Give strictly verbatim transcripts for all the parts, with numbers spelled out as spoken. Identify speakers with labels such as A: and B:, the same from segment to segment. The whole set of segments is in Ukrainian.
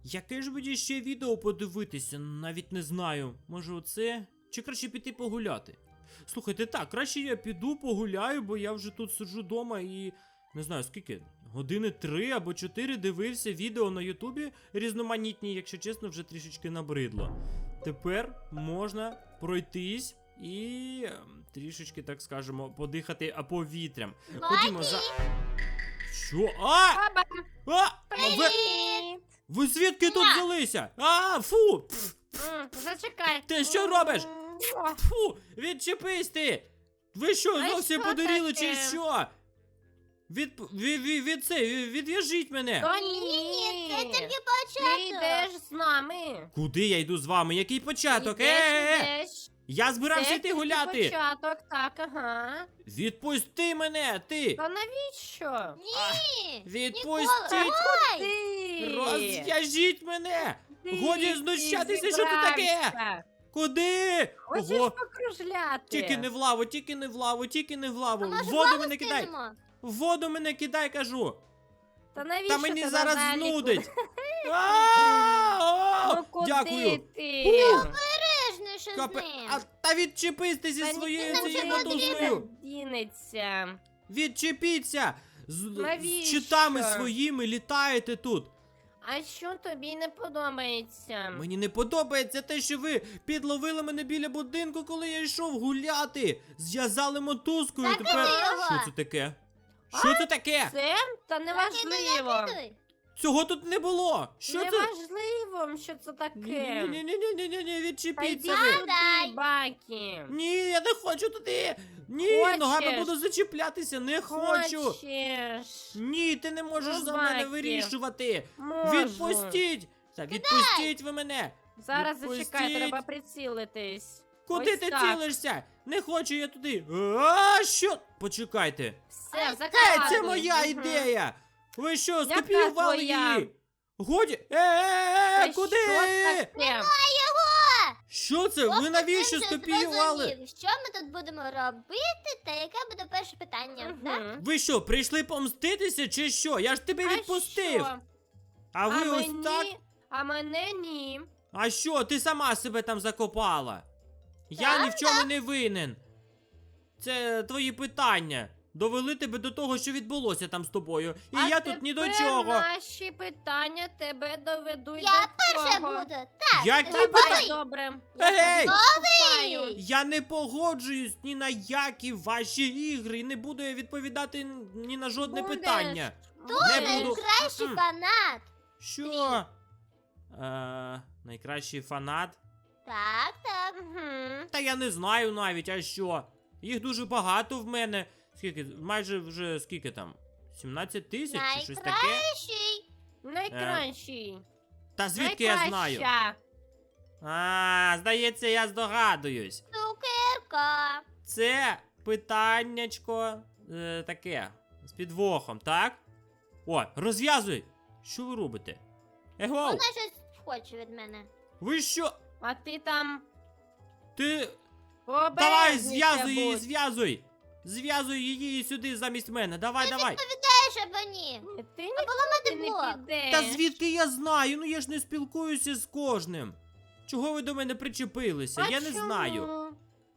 A: Яке ж мені ще відео подивитися? Навіть не знаю. Може оце? Чи краще піти погуляти? Слухайте, так, краще я піду погуляю, бо я вже тут сиджу вдома і... Не знаю, скільки? Години три або чотири дивився відео на Ютубі різноманітні, якщо чесно, вже трішечки набридло. Тепер можна пройтись і ем, трішечки, так скажемо, подихати а, повітрям. Ходімо за... Що? А!
B: Баба,
A: А! А ви...
B: привіт!
A: Ви звідки тут взялися? А, фу! Пф,
B: М, Зачекай.
A: Ти що робиш?
B: О,
A: Фу! Відчепись ти! Ви що,
B: А
A: зовсім
B: що
A: подуріли
B: таке?
A: чи що? Від, від, від, від це, від- відв'яжіть мене!
B: То
C: Ні, ні, це тільки
B: Ти
C: початок.
B: йдеш з нами.
A: Куди я йду з вами? Який початок?
B: Ідеш,
A: Е-е-е!
B: ідеш.
A: Я збирався
B: Це
A: йти
B: тільки
A: гуляти!
B: початок, так, ага.
A: Відпусти мене, ти!
B: Та навіщо?
C: Ні.
A: Відпустіть!
B: Ти!
A: Розв'яжіть мене!
B: Ти-
A: Годі
B: ти
A: знущатися, що тут таке?
B: зібрався.
A: Куди?
B: Хочеш
A: Ого!
B: покружляти?
A: Тільки не в лаву, тільки не в лаву, тільки не в лаву.
C: А
A: В
C: може
A: воду
C: лаву
A: мене кидай!
C: скинемо?
A: В воду мене кидай, кажу!
B: Та навіщо
A: Та мені
B: ти
A: зараз
B: надалі
A: знудить!
B: куди-
A: А,
B: Ну
A: о,
B: куди
A: Дякую!
B: ти?
C: Обережніше з
A: Капе...
C: ним.
A: А, та відчепись ти зі
B: Та
A: своєю
B: ніхто
A: цією
B: не
A: мотузкою!
B: дінеться.
A: Відчепіться! З,
B: Навіщо?
A: з щитами своїми літаєте тут!
B: А що тобі не подобається?
A: Мені не подобається те, що ви підловили мене біля будинку, коли я йшов гуляти. Зв'язали мотузкою.
C: Закидай
A: Тепер.
C: його.
A: Що це таке? Що це таке?
B: Це? Та неважливо.
C: Закидуй.
A: Цього тут не було. Що це?
B: Неважливо, що це таке.
A: Ні, ні, ні, ні, ні, ні, ні,
B: Та йди
A: відчепіться ви.
B: сюди,
C: Дай.
B: Бакі.
A: Ні, я не хочу туди. Ні,
B: Хочеш?
A: ногами буду зачіплятися, не хочу.
B: Хочеш.
A: Ні, ти не можеш
B: Ну,
A: за мене
B: Бакі.
A: вирішувати.
B: Можу.
A: Відпустіть. Та відпустіть ви мене.
B: Зараз
A: Відпустіть.
B: зачекай, треба прицілитись.
A: Куди
B: Ось
A: ти
B: так.
A: цілишся? Не хочу я туди. А, що? Почекайте.
B: Все,
A: Е,
B: закладуй.
A: це моя
B: Мгм.
A: ідея! Ви що,
B: Яка
A: скопіювали
B: твоя?
A: її? Годі. Е-е-е,
B: Та
A: куди?
B: Що таке?
A: Що це? Ви
C: Хлопець,
A: навіщо
C: він вже
A: скопіювали?
C: зрозумів, що ми тут будемо робити, та яке буде перше питання, так?
B: Мгм.
A: Ви що, прийшли помститися чи що? Я ж тебе
B: А
A: відпустив.
B: що?
A: А ви
B: а
A: ось
B: мені?
A: так?
B: А мене ні.
A: А що, ти сама себе там закопала? Я
C: Так,
A: ні в чому не винен. Це твої питання. Довели тебе до того, що відбулося там з тобою. І
B: а
A: я тут ні до
B: тепер
A: чого.
B: наші питання тебе доведуть
C: Я
B: до
C: перша
B: цього.
C: буду. Так,
A: Які
C: давай.
A: питання?
B: Добре.
A: Ей!
B: Я тобі
A: Я не погоджуюсь ні на які ваші ігри, і не буду я відповідати ні на жодне
B: Будеш.
A: питання.
C: Хто
A: Не буду.
C: найкращий
A: М-м.
C: фанат?
A: Що? Е, найкращий фанат?
C: Так, так.
B: Мгм.
A: Та я не знаю навіть, а що? Їх дуже багато в мене. Скільки? Майже вже скільки там? сімнадцять тисяч чи щось таке?
C: Найкращий.
B: Найкращий.
A: Та звідки я знаю?
B: Найкраща.
A: А, здається, я здогадуюсь.
C: Цукерка.
A: Це питаннячко е, таке. З підвохом, так? О, розв'язуй! Що ви робите? Его!
C: Вона щось хоче від мене.
A: Ви що?
B: А ти там
A: Ти.
B: обережніше
A: Давай, зв'язуй її,
B: будь.
A: зв'язуй! Зв'язуй її сюди замість мене. Давай, давай.
C: Теж або ні.
B: Ні, Ти
C: Поламати
B: нікуди не
C: блок.
B: підеш.
A: Та звідки я знаю? Ну я ж не спілкуюся з кожним. Чого ви до мене причепилися?
B: А
A: я не
B: чому?
A: знаю.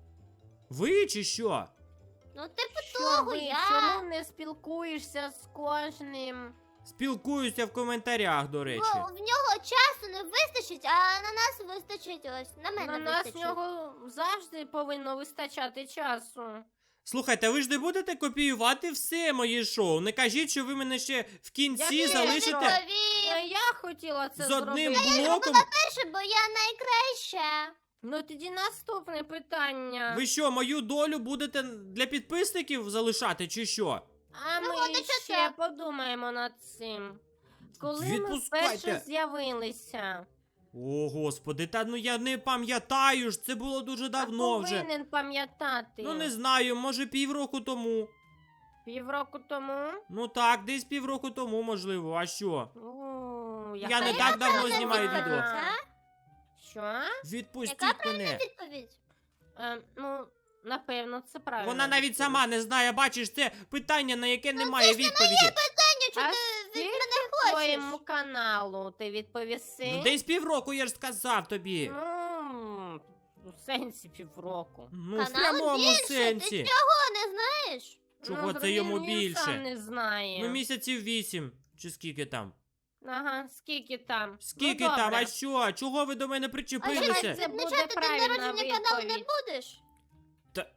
A: Ви чи що?
C: Ну, типу
B: Що
C: того
B: ви?
C: я.
B: Чому не спілкуєшся з кожним?
A: Спілкуюся в коментарях, до речі.
C: Бо в нього часу не вистачить, а на нас вистачить ось. На мене
B: На нас
C: вистачить.
B: нього завжди повинно вистачати часу.
A: Слухайте, ви ж не будете копіювати все моє шоу. Не кажіть, що ви мене ще в кінці
B: Яке
A: залишите
B: шоу?
C: Відповім.
B: А я хотіла це
A: з одним
B: зробити.
A: блоком.
C: Перше, бо я найкраща.
B: Ну тоді наступне питання.
A: Ви що, мою долю будете для підписників залишати, чи що?
B: А ми
C: Виходить, що
B: ще
C: так.
B: подумаємо над цим. Коли ми
A: Відпускайте.
B: вперше з'явилися.
A: О, господи, та ну я не пам'ятаю ж, це було дуже давно
B: а
A: вже.
B: повинен пам'ятати.
A: Ну не знаю, може півроку тому.
B: Півроку тому.
A: Ну так, десь півроку тому, можливо, а що?
B: О,
A: Я
B: яка
A: не
B: я
A: так давно
B: правильна
A: знімаю
B: відповідь.
A: відео.
B: Що?
A: Відпустіть
C: Яка правильна
A: мене.
C: відповідь?
B: Е, ну, напевно, це правильно.
A: Вона навіть сама не знає, бачиш, це питання, на яке немає відповіді.
C: Питання, чи
B: А
C: ти від
B: скільки
C: мене
B: в
C: хочеш?
B: твоєму каналу? Ти відповіси?
A: Ну, десь півроку, я ж сказав тобі.
B: Ну, у сенсі півроку.
A: Ну, в
C: Каналу
A: прямому
C: більше,
A: сенсі.
C: Ти чого не знаєш?
A: Чого
B: Ну,
A: це йому
B: він- він
A: більше?
B: сам не знає.
A: Ну, місяців вісім. Чи скільки там?
B: Ага, скільки там?
A: Скільки
B: ну,
A: там?
B: добре.
A: А що? Чого ви до мене
C: А що,
A: причепилися?
B: це буде
C: відмічати день
B: правильна
C: народження каналу не
B: відповідь.
C: будеш?
A: Та...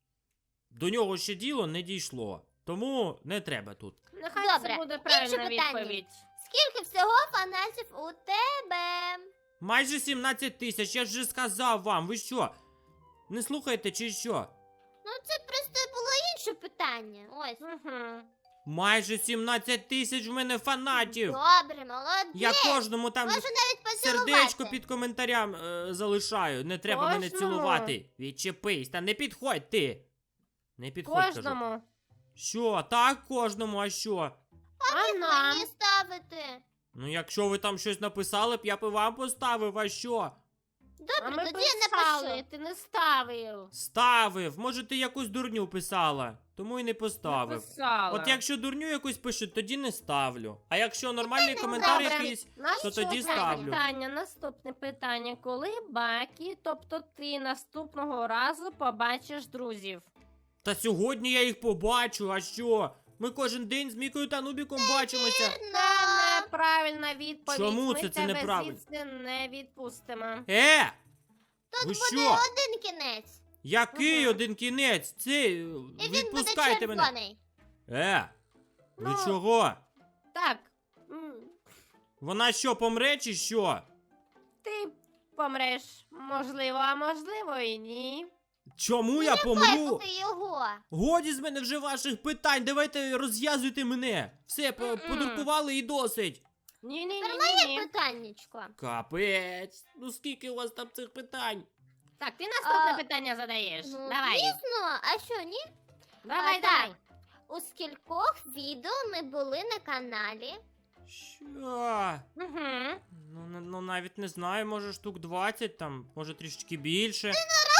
A: До нього ще діло не дійшло. Тому не треба тут.
B: Нехай
C: Добре,
B: це буде
C: інше
B: правильна
C: питання.
B: відповідь.
C: Скільки всього фанатів у тебе?
A: Майже сімнадцять тисяч, я ж вже сказав вам. Ви що? Не слухаєте чи що?
C: Ну це просто було інше питання. Ось.
B: Угу.
A: Майже сімнадцять тисяч в мене фанатів.
C: Добре, молодець.
A: Я кожному там
C: Можу навіть поцілувати.
A: сердечко під коментарям е, залишаю. Не треба мене
B: Кожному?
A: цілувати. Відчепись, та не підходь ти. Не підходь, кажу.
B: Кожному.
A: Що? Так, кожному, а що?
B: А нам?
C: Мені ставити.
A: Ну, якщо ви там щось написали б, я б і вам поставив, а що?
C: Добре,
B: А ми
C: тоді я
B: писали,
C: напишу.
B: ти не ставив.
A: Ставив. Може, ти якусь дурню писала, тому і не поставив.
B: Написала.
A: От якщо дурню якусь пишуть, тоді не ставлю. А якщо нормальний коментар
B: добре.
A: якийсь,
B: Наступне
A: то тоді ставлю.
B: питання, наступне питання. Коли Бакі, тобто ти наступного разу побачиш друзів?
A: та сьогодні я їх побачу, а що? Ми кожен день з Мікою та Нубіком бачимося.
B: Це неправильна відповідь.
A: Чому
B: Ми
A: це це
B: тебе
A: неправильно?
B: звідси не відпустимо.
A: Е!
C: Тут
A: Ви
C: буде
A: що?
C: один кінець.
A: Який
B: Ага.
A: один кінець? Це е,
C: І він буде
A: відпускайте мене.
C: червоний.
A: Е! Ви
B: Ну.
A: чого?
B: Так. м,
A: Вона що, помре чи що?
B: Ти помреш. Можливо, а можливо і ні.
A: Чому я помру?
C: Хайпути його.
A: Годі з мене вже ваших питань, давайте розв'язуйте мене. Все, по-
B: Мгм.
A: подуркували і досить.
B: Ні, ні,
C: Тепер
B: ні,
C: моє
B: ні, ні.
C: питаннячко.
A: Капець, ну скільки у вас там цих питань?
B: Так, ти наступне
C: А,
B: питання задаєш.
C: Ну,
B: Давай.
C: звісно, а що, ні?
B: Давай,
C: А,
B: давай.
C: так. У скількох відео ми були на каналі?
A: Що?
B: Угу.
A: Ну, не- ну навіть не знаю, може штук двадцять там, може трішечки більше.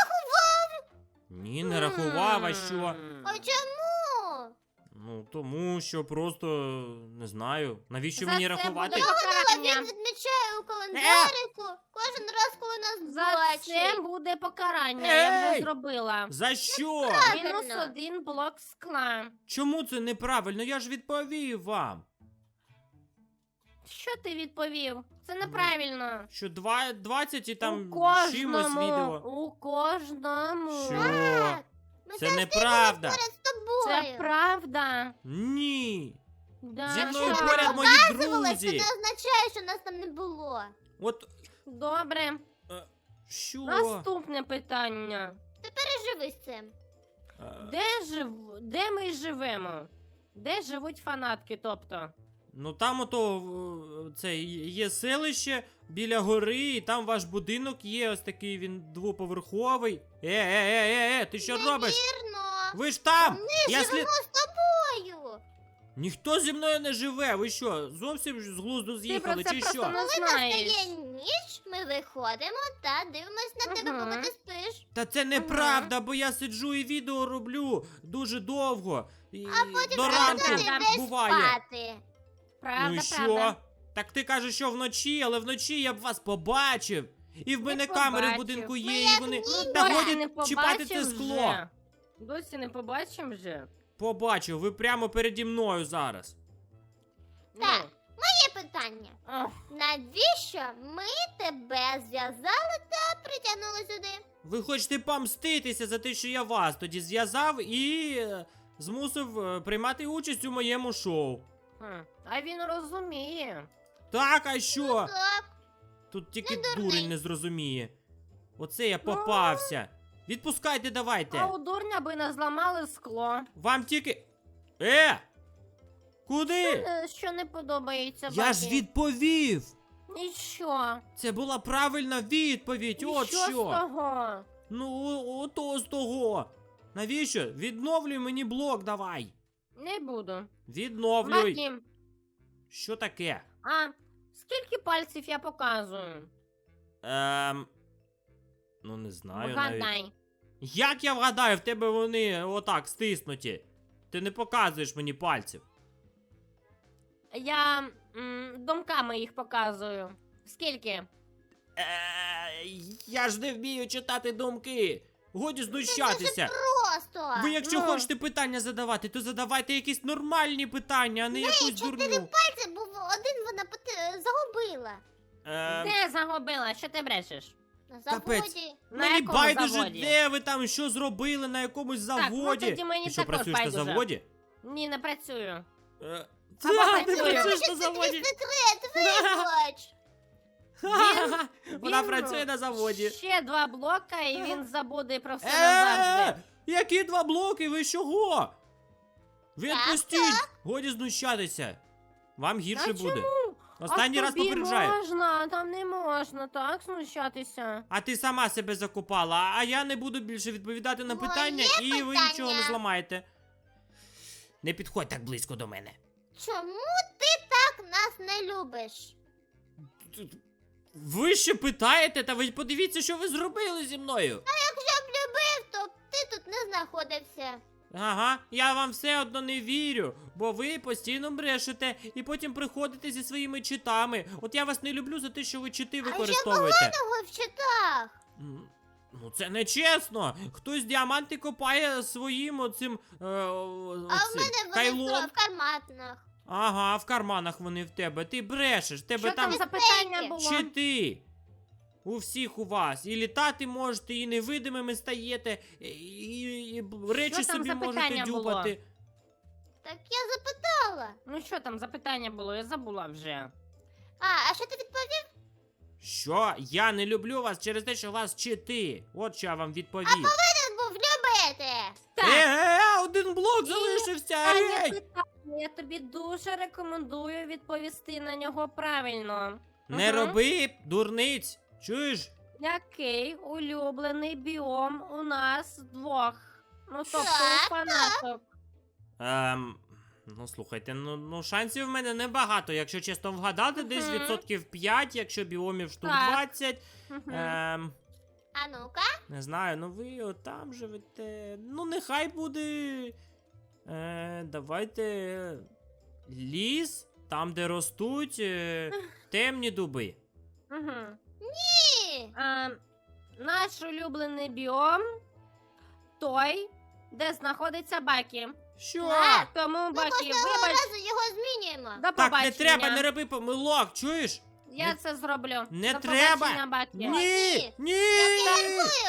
A: Ні, не рахував, а що?
C: А чому?
A: Ну, тому що просто не знаю. Навіщо
B: За
A: мені
B: це
A: рахувати?
B: буде покарання.
C: Він відмічає у календарику кожен раз, коли нас
B: За це
C: бачить.
B: буде покарання, я
A: Ей!
B: вже зробила.
A: За що?
B: Мінус
C: Правильно.
B: один блок скла.
A: Чому це неправильно? Я ж відповів вам.
B: Що ти відповів? Це неправильно.
A: Що два, двадцять і там
B: у кожному,
A: чимось відео.
B: у кожному.
A: Що?
C: Так. Ми
A: Це
C: завжди
A: неправда.
C: поряд з тобою.
B: Це правда.
A: Ні.
B: Да,
A: Зі мною
B: що?
A: поряд мої
C: Показувалось, це
A: друзі.
C: не означає, що нас там не було.
A: От
B: Добре.
A: е, що?
B: Наступне питання.
C: Переживи з цим.
A: Е,
B: Де жив... Де ми живемо? Де живуть фанатки, тобто?
A: Ну там ото е, це є селище біля гори, і там ваш будинок є, ось такий він двоповерховий. Е, е, е, е, е, ти що робиш?
C: Вірно.
A: Ви ж там!
C: Ми
A: Я
C: живемо
A: слід...
C: з тобою.
A: Ніхто зі мною не живе. Ви що, зовсім з глузду
B: Ти
A: з'їхали,
B: про це
A: чи
B: просто
A: що?
B: не
C: Коли
B: знаєш.
C: настає ніч, ми виходимо та дивимось на тебе,
B: Ага.
C: поки ти спиш.
A: Та це неправда, бо я сиджу і відео роблю дуже довго. І до ранку
C: Ти
B: Правда.
C: йдеш
A: буває.
C: спати.
B: Правда,
A: Ну і що?
B: правда.
A: Так ти кажеш, що вночі, але вночі я б вас побачив. І в мене камери в
B: побачив.
A: будинку
C: Ми
A: є,
C: як
A: і вони.
C: ніби.
A: Та
B: Досі
A: годі
B: не
A: чіпати це
B: побачив
A: скло.
B: вже. Досі не побачимо вже.
A: Побачив, ви прямо переді мною зараз.
C: Так.
B: Ну.
C: Є питання.
B: Ох,
C: Навіщо ми тебе зв'язали та притягнули сюди?
A: Ви хочете помститися за те, що я вас тоді зв'язав і е, змусив е, приймати участь у моєму шоу.
B: хм. А він розуміє.
A: Так, а що?
C: Так.
A: Тут тільки
C: Не дурний.
A: дурень не зрозуміє. Оце я попався. Відпускайте, давайте.
B: А у дурня би не зламали скло.
A: Вам тільки. Е! Куди?
B: Е, Що не подобається
A: Я ж
B: Бакі?
A: відповів!
B: Нічого.
A: Це була правильна відповідь, от
B: Що з
A: що.
B: того?
A: Ну, о- ото з того. Навіщо? Відновлюй мені блок, давай.
B: Не буду.
A: Відновлюй.
B: Бакі,
A: Що таке?
B: а скільки пальців я показую?
A: Ем. Ну, не знаю навіть.
B: Вгадай.
A: Як я вгадаю, в тебе вони отак стиснуті. Ти не показуєш мені пальців.
B: Я м, думками їх показую. Скільки?
A: Е, я ж не вмію читати думки. Годі знущатися.
C: Просто.
A: Ви якщо
B: Ну.
A: хочете питання задавати, то задавайте якісь нормальні питання, а не якусь дурну.
C: Пальці був один, вона поти- загубила.
A: Е,
B: Де загубила? Що ти брешеш?
C: На
A: Капець.
C: заводі.
B: На
A: Мені
B: якому
A: байдуже,
B: заводі?
A: де ви там, що зробили на якомусь
B: Так, ну
A: заводі.
B: тоді мені
A: Ти що,
B: також
A: працюєш на
B: байдуже.
A: заводі?
B: Ні, не працюю.
A: Е,
B: Або
A: та, ти
B: працюю.
A: працюєш на
C: Це твій
A: заводі.
C: секрет, вибач.
A: Ха-ха-ха, Вона
B: Він,
A: працює на заводі.
B: Ще два блока, і він забуде про все назавжди.
A: Е, які два блоки? Ви чого? Ви
C: Так,
A: відпустіть! Годі знущатися. Вам гірше
B: Та
A: буде.
B: чому?
A: Останній
B: а
A: раз
B: тобі
A: попереджаю.
B: можна, там не можна, так, знущатися.
A: А ти сама себе закопала, а я не буду більше відповідати на
C: Моє
A: питання, і ви
C: питання.
A: нічого не зламаєте. Не підходь так близько до мене.
C: Чому ти так нас не любиш?
A: Ви ще питаєте, та ви подивіться, що ви зробили зі мною.
C: Якщо б любив, то б ти тут не знаходився.
A: Ага, я вам все одно не вірю, бо ви постійно брешете і потім приходите зі своїми читами. От я вас не люблю за те, що ви чити використовуєте.
C: Того в читах.
A: М, Ну це не чесно. Хтось діаманти копає своїм оцим е, о-
C: А в
A: оцим
C: мене вони
A: кайлом.
C: в карматах.
A: Ага, в карманах вони в тебе. Ти брешеш, в тебе
B: Що
A: там
B: там за питання
C: Третє.
B: було?
A: чити. У всіх у вас. І літати можете, і невидимими стаєте, і, і, і б- речі
B: Що там
A: собі
B: за
A: можете
B: питання було?
A: дюпати.
C: Так я запитала.
B: Ну що там за питання було? Я забула вже.
C: А, а що ти відповів?
A: Що? Я не люблю вас через те, що у вас чити. От що я вам відповів.
C: Ти був любити.
B: Так,
A: Е, е, е, один блок залишився.
B: питання,
A: Ей!
B: питання. Я тобі дуже рекомендую відповісти на нього правильно.
A: Не
B: Ага.
A: роби дурниць. Чуєш?
B: Який улюблений біом у нас двох? Ну, тобто
C: Так,
B: у фанаток.
A: Ем, ну слухайте, ну, ну шансів в мене небагато. Якщо чесно вгадати, десь
B: Мгм.
A: відсотків п'ять, якщо біомів штук
B: Так.
A: двадцять.
B: Мгм.
A: Ем,
C: А ну-ка.
A: не знаю, ну ви отам живете. Ну, нехай буде. Е, давайте. Ліс, там, де ростуть е, темні дуби.
B: Мгм.
C: Ні.
B: А, наш улюблений біом той, де знаходиться Бакі.
A: Що?
C: Так.
B: Тому
C: Ми
B: Бакі,
C: кожного
B: вибач,
C: разу його змінюємо.
B: до
A: Так,
B: побачення.
A: не треба, не роби помилок, чуєш?
B: Я це зроблю.
A: Не
B: До
A: треба.
B: побачення, Бакі.
A: Ні,
C: Ні.
A: ні.
C: Я